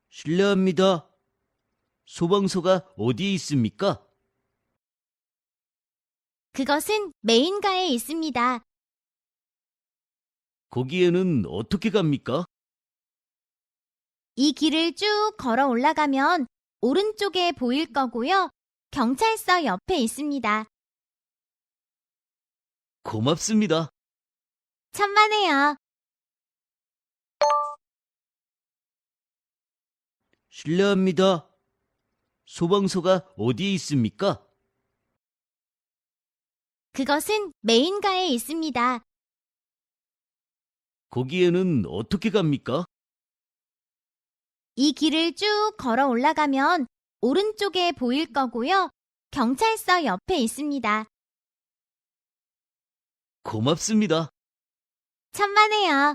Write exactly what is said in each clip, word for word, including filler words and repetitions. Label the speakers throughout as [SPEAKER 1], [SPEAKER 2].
[SPEAKER 1] 실례합니다. 소방서가 어디에 있습니까?
[SPEAKER 2] 그것은 메인가에 있습니다.
[SPEAKER 1] 거기에는 어떻게 갑니까?
[SPEAKER 2] 이 길을 쭉 걸어 올라가면 오른쪽에 보일 거고요. 경찰서 옆에 있습니다.
[SPEAKER 1] 고맙습니다.
[SPEAKER 2] 천만에요.
[SPEAKER 1] 실례합니다. 소방서가 어디에 있습니까?
[SPEAKER 2] 그것은 메인가에 있습니다.
[SPEAKER 1] 거기에는 어떻게 갑니까?
[SPEAKER 2] 이 길을 쭉 걸어 올라가면 오른쪽에 보일 거고요. 경찰서 옆에 있습니다.
[SPEAKER 1] 고맙습니다.
[SPEAKER 2] 천만에요.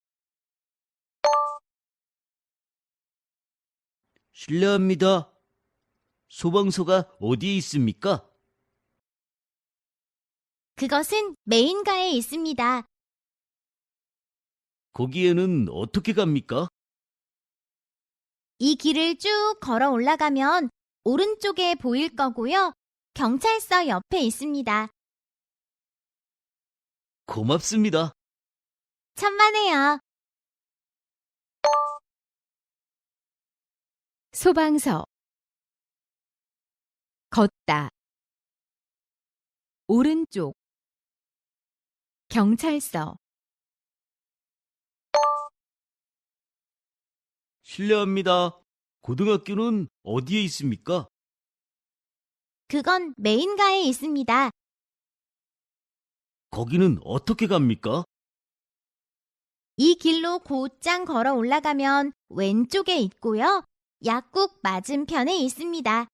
[SPEAKER 1] 실례합니다. 소방서가 어디에 있습니까?
[SPEAKER 2] 그것은 메인가에 있습니다.
[SPEAKER 1] 거기에는 어떻게 갑니까?
[SPEAKER 2] 이 길을 쭉 걸어 올라가면 오른쪽에 보일 거고요. 경찰서 옆에 있습니다.
[SPEAKER 1] 고맙습니다.
[SPEAKER 2] 천만에요.
[SPEAKER 3] 소방서 걷다 오른쪽 경찰서
[SPEAKER 1] 실례합니다. 고등학교는 어디에 있습니까?
[SPEAKER 2] 그건 메인가에 있습니다.
[SPEAKER 1] 거기는 어떻게 갑니까?
[SPEAKER 2] 이 길로 곧장 걸어 올라가면 왼쪽에 있고요. 약국 맞은편에 있습니다.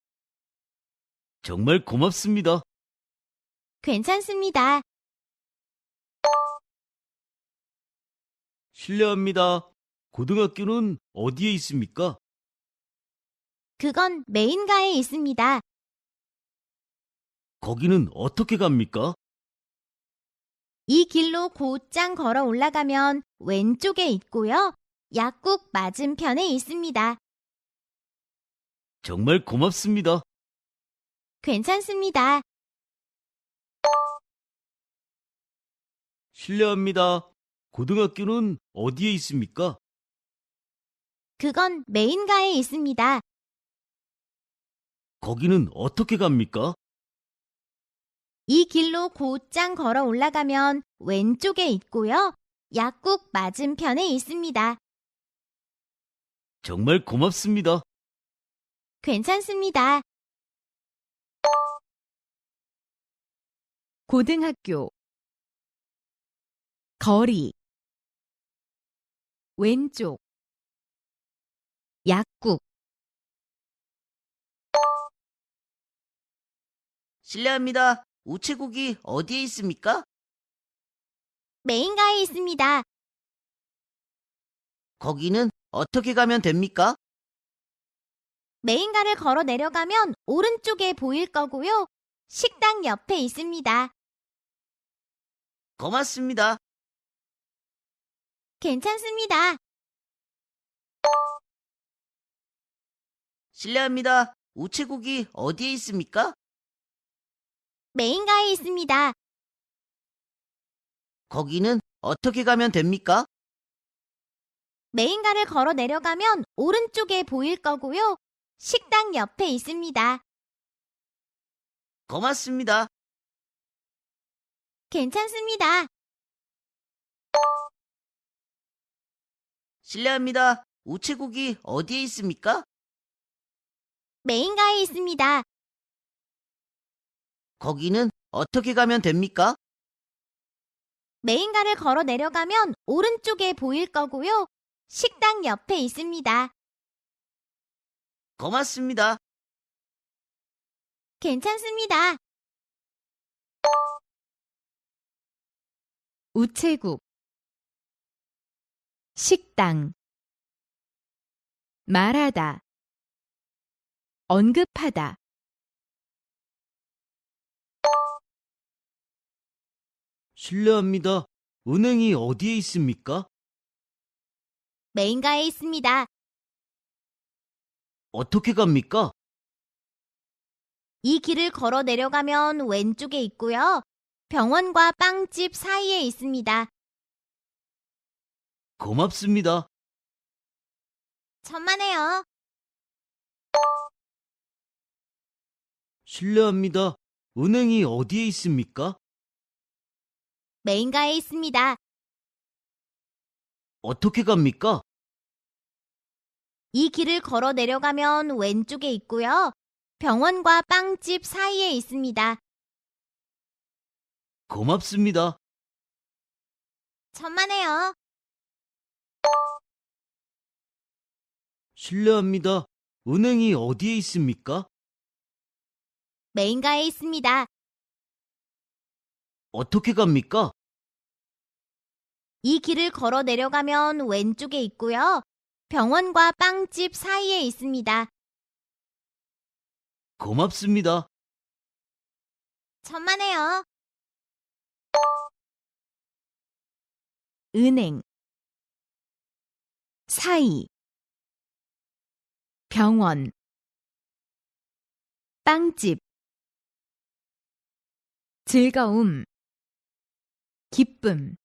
[SPEAKER 1] 정말 고맙습니다.
[SPEAKER 2] 괜찮습니다.
[SPEAKER 1] 실례합니다. 고등학교는 어디에 있습니까?
[SPEAKER 2] 그건 메인가에 있습니다.
[SPEAKER 1] 거기는 어떻게 갑니까?
[SPEAKER 2] 이 길로 곧장 걸어 올라가면 왼쪽에 있고요. 약국 맞은편에 있습니다.
[SPEAKER 1] 정말 고맙습니다.
[SPEAKER 2] 괜찮습니다.
[SPEAKER 1] 실례합니다. 고등학교는 어디에 있습니까?
[SPEAKER 2] 그건 메인가에 있습니다.
[SPEAKER 1] 거기는 어떻게 갑니까?
[SPEAKER 2] 이 길로 곧장 걸어 올라가면 왼쪽에 있고요. 약국 맞은편에 있습니다.
[SPEAKER 1] 정말 고맙습니다.
[SPEAKER 2] 괜찮습니다.
[SPEAKER 3] 고등학교 거리 왼쪽 약국
[SPEAKER 4] 실례합니다. 우체국이 어디에 있습니까?
[SPEAKER 2] 메인가에 있습니다.
[SPEAKER 4] 거기는 어떻게 가면 됩니까?
[SPEAKER 2] 메인가를 걸어 내려가면 오른쪽에 보일 거고요. 식당 옆에 있습니다.
[SPEAKER 4] 고맙습니다.
[SPEAKER 2] 괜찮습니다.
[SPEAKER 4] 실례합니다. 우체국이 어디에 있습니까?
[SPEAKER 2] 메인가에 있습니다.
[SPEAKER 4] 거기는 어떻게 가면 됩니까?
[SPEAKER 2] 메인가를 걸어 내려가면 오른쪽에 보일 거고요. 식당 옆에 있습니다.
[SPEAKER 4] 고맙습니다.
[SPEAKER 2] 괜찮습니다.
[SPEAKER 4] 실례합니다. 우체국이 어디에 있습니까?
[SPEAKER 2] 메인가에 있습니다.
[SPEAKER 4] 거기는 어떻게 가면 됩니까?
[SPEAKER 2] 메인가를 걸어 내려가면 오른쪽에 보일 거고요. 식당 옆에 있습니다.
[SPEAKER 4] 고맙습니다.
[SPEAKER 2] 괜찮습니다.
[SPEAKER 3] 우체국 식당 말하다 언급하다
[SPEAKER 1] 실례합니다. 은행이 어디에 있습니까?
[SPEAKER 2] 메인가에 있습니다.
[SPEAKER 1] 어떻게 갑니까?
[SPEAKER 2] 이 길을 걸어 내려가면 왼쪽에 있고요. 병원과 빵집 사이에 있습니다.
[SPEAKER 1] 고맙습니다.
[SPEAKER 2] 천만에요.
[SPEAKER 1] 실례합니다. 은행이 어디에 있습니까?
[SPEAKER 2] 메인가에 있습니다.
[SPEAKER 1] 어떻게 갑니까?
[SPEAKER 2] 이 길을 걸어 내려가면 왼쪽에 있고요. 병원과 빵집 사이에 있습니다.
[SPEAKER 1] 고맙습니다.
[SPEAKER 2] 천만에요.
[SPEAKER 1] 실례합니다. 은행이 어디에 있습니까?
[SPEAKER 2] 메인가에 있습니다.
[SPEAKER 1] 어떻게 갑니까?
[SPEAKER 2] 이 길을 걸어 내려가면 왼쪽에 있고요. 병원과 빵집 사이에 있습니다.
[SPEAKER 1] 고맙습니다.
[SPEAKER 2] 천만에요.
[SPEAKER 3] 은행 사이 병원 빵집 즐거움 기쁨